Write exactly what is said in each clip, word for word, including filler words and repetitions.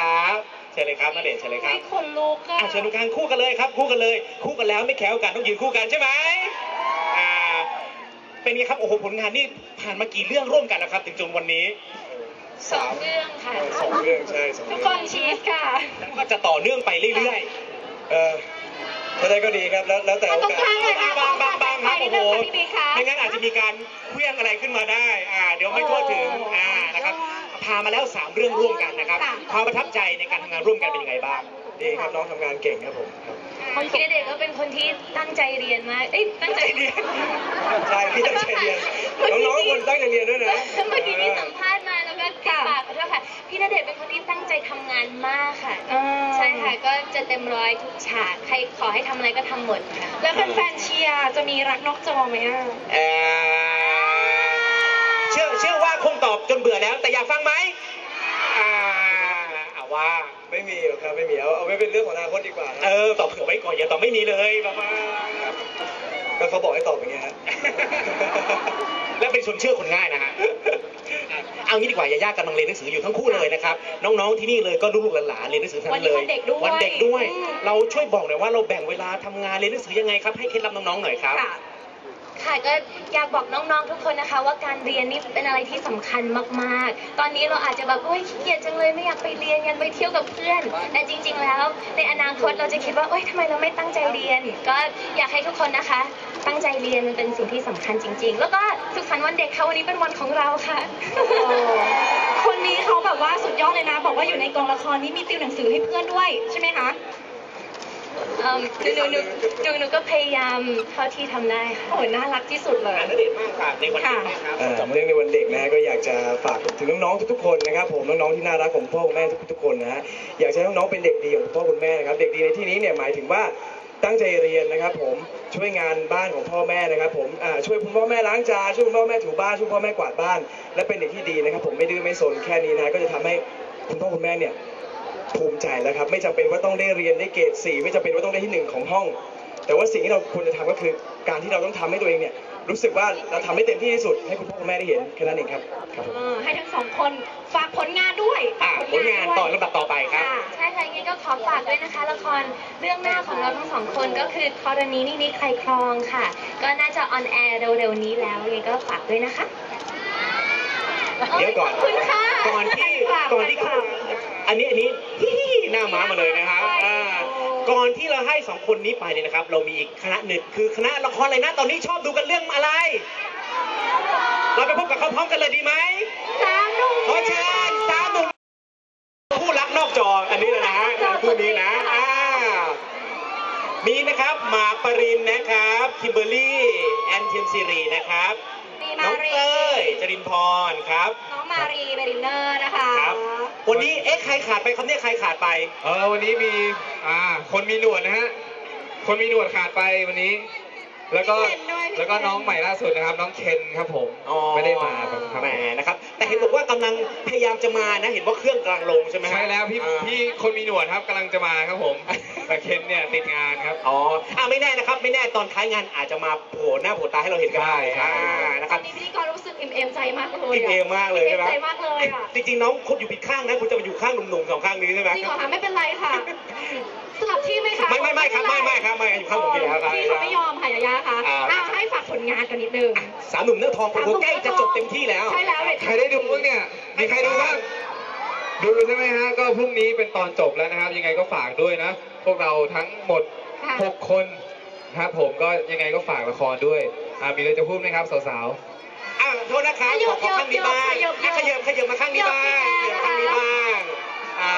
ครับเชิญเลยครับณเดชน์เชิญเลยครับคนลุกอะอ่ะเชิญดูกันคู่กันเลยครับคู่กันเลยคู่กันแล้วไม่แข่งกันต้องยืนคู่กันใช่ไหมอ่าเป็นไงครับโอ้โหผลงานนี่ผ่านมากี่เรื่องร่วมกันแล้วครับถึงจนวันนี้สองเรื่องค่ะสองเรื่องใช่สองทุเรื่กองคนชีสค่ะแล้วก็จะต่อเนื่องไปเรื่อยเออถ้าได้ก็ดีครับแล้วแล้วแต่โอตรงกาสข้างเลยค่ะๆบางบางบางครับโอ้โหพี่บีคะไม่งั้นอาจจะมีการเคลื่องอะไรขึ้นมาได้อ่าเดี๋ยวไม่ทั่วถึงอ่านะครับพามาแล้วสามเรื่องร่วมกันนะครับความประทับใจในการทำงานร่วมกันเป็นยังไงบ้างดีครับน้องทำงานเก่งครับผมครับพี่ณเดชน์ก็เป็นคนที่ตั้งใจเรียนมาก เอ้ยตั้งใจเรียนใช่พี่ตั้งใจเรียนน้องๆคนตั้งใจเรียนด้วยนะเมื่อกี้มีสัมภาษณ์มาแล้วก็ติดปากขอโทษค่ะ พี่ณเดชน์เป็นคนที่ตั้งใจทำงานมากค่ะ ใช่ค่ะ ก็จะเต็มร้อยทุกฉาก ใครขอให้ทำอะไรก็ทำหมดค่ะแล้วแฟนๆเชียร์จะมีรักนอกจอไหมอ่ะเอ่อเชื่อเชื่อว่าคงตอบจนเบื่อแล้วแต่อยากฟังไหมอ่าเอาว่าไม่มีหรอกครับไม่มีเอาเอาไว้เป็นเรื่องของอนาคตดีกว่านะเออตอบเผื่อไว้ก่อนอย่าตอบไม่มีเลยประมาณครับก็เขาบอกให้ตอบอย่างเงี้ยฮะและเป็นคนเชื่อคนง่ายนะฮะเอางี้ดีกว่าอย่ายากกำลังเรียนหนังสืออยู่ทั้งคู่เลยนะครับน้องๆที่นี่เลยก็ลูกๆหลานๆเรียนหนังสือทั้งนั้นเลยวันนี้วันเด็กด้วยวันเด็กด้วยอืมเราช่วยบอกหน่อยว่าเราแบ่งเวลาทำงานเรียนหนังสือยังไงครับให้เคล็ดลับน้องๆหน่อยครับค่ะค่ะก็อยากบอกน้องๆทุกคนนะคะ ว่าการเรียนนี่เป็นอะไรที่สำคัญมากๆ ตอนนี้เราอาจจะแบบโอ๊ยขี้เกียจจังเลยไม่อยากไปเรียนอยากไปเที่ยวกับเพื่อน แต่จริง ๆ แล้วในอนาคตเราจะคิดว่าโอ๊ยทำไมเราไม่ตั้งใจเรียน ก็อยากให้ทุกคนนะคะ ตั้งใจเรียนมันเป็นสิ่งที่สำคัญจริง ๆ แล้วก็สุขสันต์วันเด็กค่ะวันนี้เป็นวันของเราค่ะคนนี้เขาแบบว่าสุดยอดเลยนะ บอกว่าอยู่ในกองละครนี้มีติวหนังสือให้เพื่อนด้วยใช่ไหมคะเอิ่มหนูหนูหนูหนูหนูก็พยายามเท่าที่ทำได้ค่ะโอ้ยน่ารักที่สุดเลยอ่านเด็กมากค่ะในวันนี้นะครับเอ่อเรื่องในวันเด็กนะฮะก็อยากจะฝากถึงน้องๆทุกๆคนนะครับผมน้องๆที่น่ารักของพ่อคุณแม่ทุกๆคนนะฮะอยากจะให้น้องๆเป็นเด็กดีของคุณพ่อคุณแม่นะครับเด็กดีในที่นี้เนี่ยหมายถึงว่าตั้งใจเรียนนะครับผมช่วยงานบ้านของพ่อแม่นะครับผมอ่าช่วยคุณพ่อแม่ล้างจานช่วยคุณพ่อแม่ถูบ้านช่วยพ่อแม่กวาดบ้าน และเป็นเด็กที่ดีนะครับผมไม่ดื้อไม่สนแค่นี้นะก็จะทำให้คุณพ่อคุณแม่เนี่ยภูมิใจแล้วครับไม่จำเป็นว่าต้องได้เรียนได้เกรดสี่ไม่จำเป็นว่าต้องได้ที่หนึ่งของห้อง แต่ว่าสิ่งที่เราควรจะทำก็คือการที่เราต้องทำให้ตัวเองเนี่ยรู้สึกว่าเราทำให้เต็มที่ที่สุดให้คุณพ่อคุณแม่ได้เห็นแค่นั้นเองครับครับผมเออให้ทั้งสองคนฝากผลงานด้วยอ่ะผลงานต่อลำดับต่อไปครับค่ะใช่ค่ะยังไงก็ขอฝากด้วยนะคะ ละครเรื่องหน้าของเราทั้งสองคนก็คือธรณีนี่นี่ใครครองค่ะ ก็น่าจะออนแอร์เร็วๆนี้แล้วยังไงก็ฝากด้วยนะคะเดี๋ยวก่อนขอบคุณค่ะก่อนที่ฝากก่อนที่ฝากอันนี้อันนี้ฮิฮิหน้าม้ามาเลยนะครับใช่อ่าก่อนที่เราให้สองคนนี้ไปเนี่ยนะครับ เรามีอีกคณะหนึ่งคือคณะละครอะไรนะตอนนี้ชอบดูกันเรื่องอะไร เราไปพบกับเขาพร้อมกันเลยดีไหมสามหนุ่มขอเชิญสามหนุ่มผู้รักนอกจออันนี้เลยนะฮะคู่นี้นะอ่ามีนะครับหมากปรินนะครับคิมเบอร์รี่แอนเทียมซีรีนะครับมีน้มาองรีเต้ยจรินพรครับน้องมารีเบรินเนอร์นะคะครับ วันนี้เอ๊ะใครขาดไปครับเนี่ยใครขาดไปเออวันนี้มีอ่าคนมีหนวดนะฮะคนมีหนวดขาดไปวันนี้ แล้วก็พี่เคนด้วยพี่แล้วก็น้องใหม่ล่าสุดนะครับ น้องเคนครับผมอ๋อไม่ได้มาครับแหมนะครับ แต่เห็นบอกว่ากำลังพยายามจะมานะ เห็นว่าเครื่องกำลังลงใช่ไหมฮะใช่แล้วพี่อ่าพี่คนมีหนวดครับกำลังจะมาครับผม แต่เคนเนี่ยติดงานครับอ๋ออ่าไม่แน่นะครับ ไม่แน่ตอนท้ายงานอาจจะมาโผล่หน้าโผล่ตาให้เราเห็นก็ได้ใช่ใช่อ่านะครับวันนี้พิธีกรรู้สึกอิ่มเอมใจมากเลยอิ่มเอมมากเลยอิ่ใช่มไหมใจมากเลยอ่ะจริงๆน้องคุณอยู่ผิดข้างนะ คุณจะมาอยู่ข้างหนุ่มๆสองข้างนี้ใช่ไหมจริงเหรอคะไม่เป็นไรค่ะ สลับที่ไหมคะไม่ไม่ไม่ครับไม่ไม่ครับไม่อยู่ข้างผมอยู่แล้วครับพี่เขาไม่ยอมค่ะยายาค่ะอ่าอ่าให้ฝากผลงานกันนิดนึงสามหนุ่มเนื้อทองผมใกล้จะจบเต็มที่แล้วใช่แล้วเลยใครได้ดูบ้างเนี่ยมีใครดูบ้างดูใช่ไหมฮะก็พรุ่งนี้เป็นตอนจบแล้วนะครับ ยังไงก็ฝากด้วยนะ พวกเราทั้งหมดหกคนนะครับผมก็ยังไงก็ฝากละครด้วยอ่ามีอะไรจะพูดไหมครับสาวๆอ่าโทษนะครับขอขอข้างนี้บ้างอ่ะขยับขยับมาข้างนี้บ้างขยับมาข้างนี้บ้างอ่า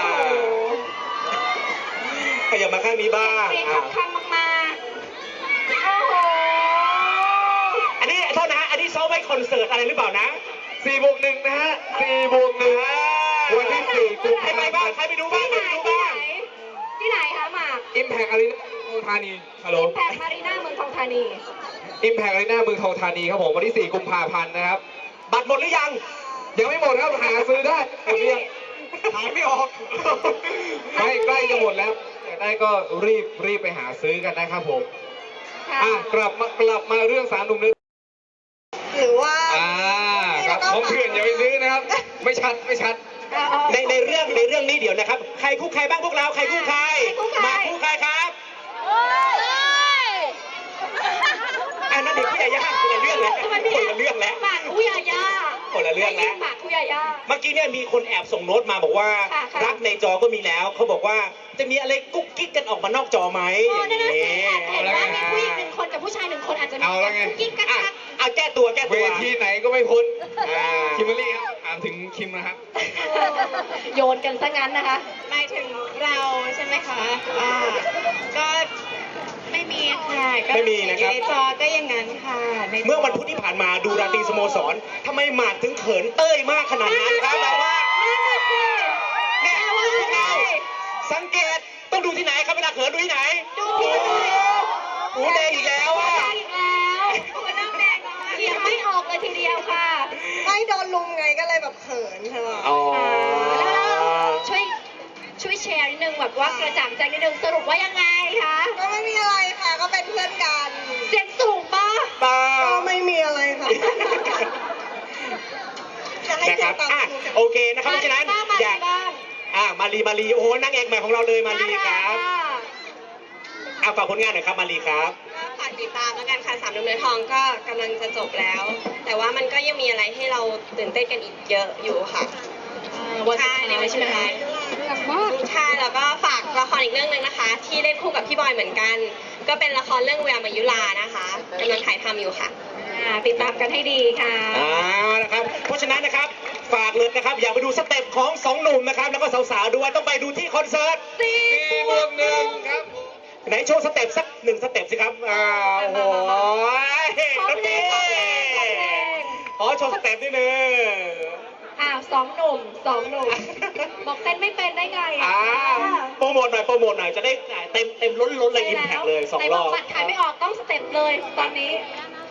ขยับมาข้างนี้บ้างเพลงอ่าสำคัญมากๆโอ้โหอันนี้โทษนะฮะอันนี้ซ้อมไว้คอนเสิร์ตอะไรหรือเปล่านะสี่บวกหนึ่งนะฮะสี่บวกหนึ่งวันที่สี่กุมใครภาไปพับ้างนธ์ใครไปดูบ้างที่ใคไหรนไปดูที่ไหนบ้างที่ไหนคะหมากอิมแพกอารีนาเมืองทองธานีฮัลโหลแพกมารีน่าเมืองทองธานีอิมแพกอารีนาเมืองทองธานีครับผมวันที่สี่กุมภาพันธ์นะครับบัตรหมดหรือยังยังไม่หมดครับหาซื้อได้หมดเรียงหายไม่ออกไม่ใกล้จะหมดแล้วอยากได้ก็รีบรีบไปหาซื้อกันนะครับผมค่ะอ่ะกลับมากลับมาเรื่องสามหนุ่มนึงหรือว่าอ่าครับของเถื่อนอย่าไปซื้อนะครับ ไม่ชัดไม่ชัดเอาเอาในในเรื่องในเรื่องนี้เดี๋ยวนะครับ ใครคู่ใครบ้างพวกเราใครคู่ใครใครคู่ใครมาคู่ใครครับอันนั้นเด็กพี่ยาย่าคนละเรื่องแล้วทำไมพี่คนละเรื่องแล้วหมากคุยายาคนละเรื่องแล้วหมากคุยายาเมื่อกี้เนี่ยมีคนแอบส่งโน้ตมาบอกว่าค่ะค่ะรักในจอก็มีแล้วเขาบอกว่าจะมีอะไรกุ๊กกิ๊กกันออกมานอกจอไหมโอ้อย่างนั่นน่ะสินี้แอบเห็นว่ามีผู้หญิงหนึ่งคนกับผู้ชายหนึ่งคนอาจจะมีเอาแล้วไงกุ๊กกิ๊กกักอ่ะกักเอาแก้ตัวแก้เวตัวทีไหนก็ไม่พ้นอ่าคิมเบอรรี่ครับถามถึงคิมนะครับโยนกันซะงั้นนะคะหมายถึงเราใช่ไหมคะอ่าก็ไม่มีค่ะก็ไม่มีนะครับอยู่ในจอก็อย่างนั้นค่ะในจเมื่อวันพุธที่ผ่านมาดูราตรีสโมสรทำไมหมากถึงเขินเต้ยมากขนาดนั้นครับแบบว่าเนี่ยพวกเราสังเกตต้องดูที่ไหนครับเวลาเขินดูที่ไหนดูที่ดูหูแดงอีกแล้วอ่ะอีกแล้วหัวน้ำแดงเขียนไม่ออกเลยทีเดียวค่ะไม่โดนลุงไงก็เลยแบบเขินค่ะอ๋อแล้วช่วยช่วยแชร์นิดนึงแบบว่ากระจ่างใจนิดนึงสรุปว่ายังไงคะก็ไม่มีอะไรค่ะก็เป็นเพื่อนกันเสียงสูงปะเปล่าก็ไม่มีอะไรค่ะจะให้นะครับเสียงตามอ่ะครูกันโอเคนะครับเพราะฉะนั้นบ้างมาอยากบ้างอ่ะมารีมารีโอ้โหนางเอกใหม่ของเราเลยมารีครับน่ารักอ่ะฝากผลงานหน่อยครับมารีครับก็ฝากติดตามแล้วกันค่ะสามดำเนินทองก็กำลังจะจบแล้ว แต่ว่ามันก็ยังมีอะไรให้เราตื่นเต้นกันอีกเยอะอยู่ค่ะอ่าวันสุดท้ายใช่ไหมคะใช่แล้วก็ฝากละครอีกเรื่องหนึ่งนะคะ ที่เล่นคู่กับพี่บอยเหมือนกัน ก็เป็นละครเรื่องแววมายุลานะคะกำลังถ่ายทำอยู่ค่ะอ่าติดตามกันให้ดีค่ะอ่านะครับ เพราะฉะนั้นนะครับ ฝากเลยนะครับ อยากไปดูสเต็ปของสองหนุ่มนะครับ แล้วก็สาวๆด้วยต้องไปดูที่คอนเสิร์ตสี่สี่บวกหนึ่งครับไหนโชว์สเต็ปสักหนึ่งสเต็ปสิครับอ่าโอ้โหน้องพี่ขอโชว์สเต็ปนิดนึงอ้าวสองหนุ่มสองหนุ่มบอกเต้นไม่เป็นได้ไงอ่าโปรโมทหน่อยโปรโมทหน่อยจะได้เต็มเต็มล้นล้นเลยอิมแพคเลยสองไหนรบออบ กบัตรขายไม่ออกต้องสเต็ปเลยตอนนี้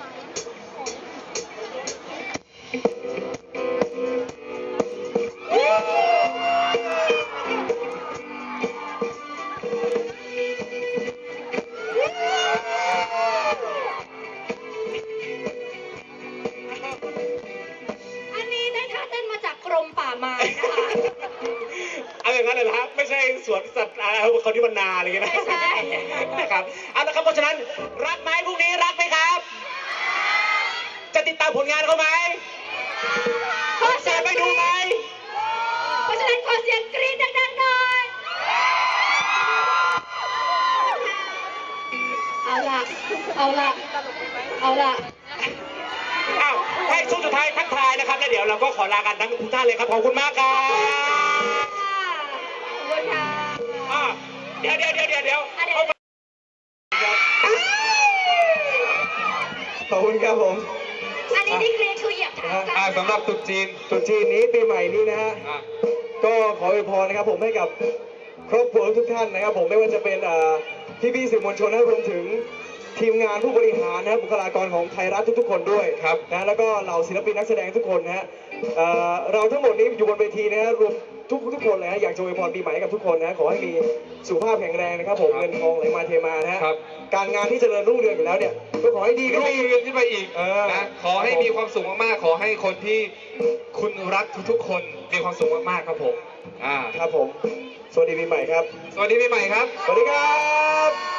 อันนี้ได้ท่าเต้นมาจากกรมป่าไม้นะคะเอาอย่างนั้นเลยนะครับไม่ใช่สวนสัตว์อะไรเขาที่บรรนาอะไรอย่างเงี้ยนะไม่ใช่นะครับเอาละครับเพราะฉะนั้นรักไหมพรุ่งนี้รักไหมครับ จะติดตามผลงานเขาไหมขอเสีจะยงไปดูไหมเพราะฉะนั้นขอเสียงกรี๊ดดังๆหน่อย เอาละเอาละเอาละอ้าวให้ช่วงสุดท้ายทักทายนะครับแล้วเดี๋ยวเราก็ขอลากันทั้งทุกท่านเลยครับขอบคุณมากครับขอบคุณค่ะอ่ะเดี๋ยวเดี๋ยวเดี๋ยวเดี๋ยวเดี๋ยวอ่ะเดี๋ยวขอบคุณครับผมอันนี้ที่กรี๊ดคือเหยียบเท้ากันอ่าสำหรับตรุ๊จีนตรุษจีนนี้ปีใหม่นี้นะฮะอ่ะก็ขออวยพรนะครับผมให้กับครอบครัวทุกท่านนะครับผมไม่ว่าจะเป็นพี่พี่ๆสื่อมวลชนนะรวมถึงทีมงานผู้บริหารนะครับบุคลากรของไทยรัฐทุกๆ คนด้วยครับนะแล้วก็เหล่าศิลปินนักแสดงทุกคนนะฮะเอ่อเราทั้งหมดนี้อยู่บนเวทีนะฮะรวมทุกทุกคนเลยฮะอยากจะอวยพรปีใหม่ให้กับทุกคนนะขอให้มีสุขภาพแข็งแรงนะครับผมเงินทองไหลมาเทมานะฮะครับการงานที่เจริญรุ่งเรืองอยู่แล้วเนี่ยก็ขอให้ดีขึ้นรุ่ไปงอีกเรืองขึ้นไปอีกเออนะขอให้มีความสุขมากๆ ขอให้คนที่คุณรักทุกๆ คนมีความสุขมากๆครับผมอ่าครับผมสวัสดีปีใหม่ครับสวัสดีปีใหม่ครับสวัสดีครับ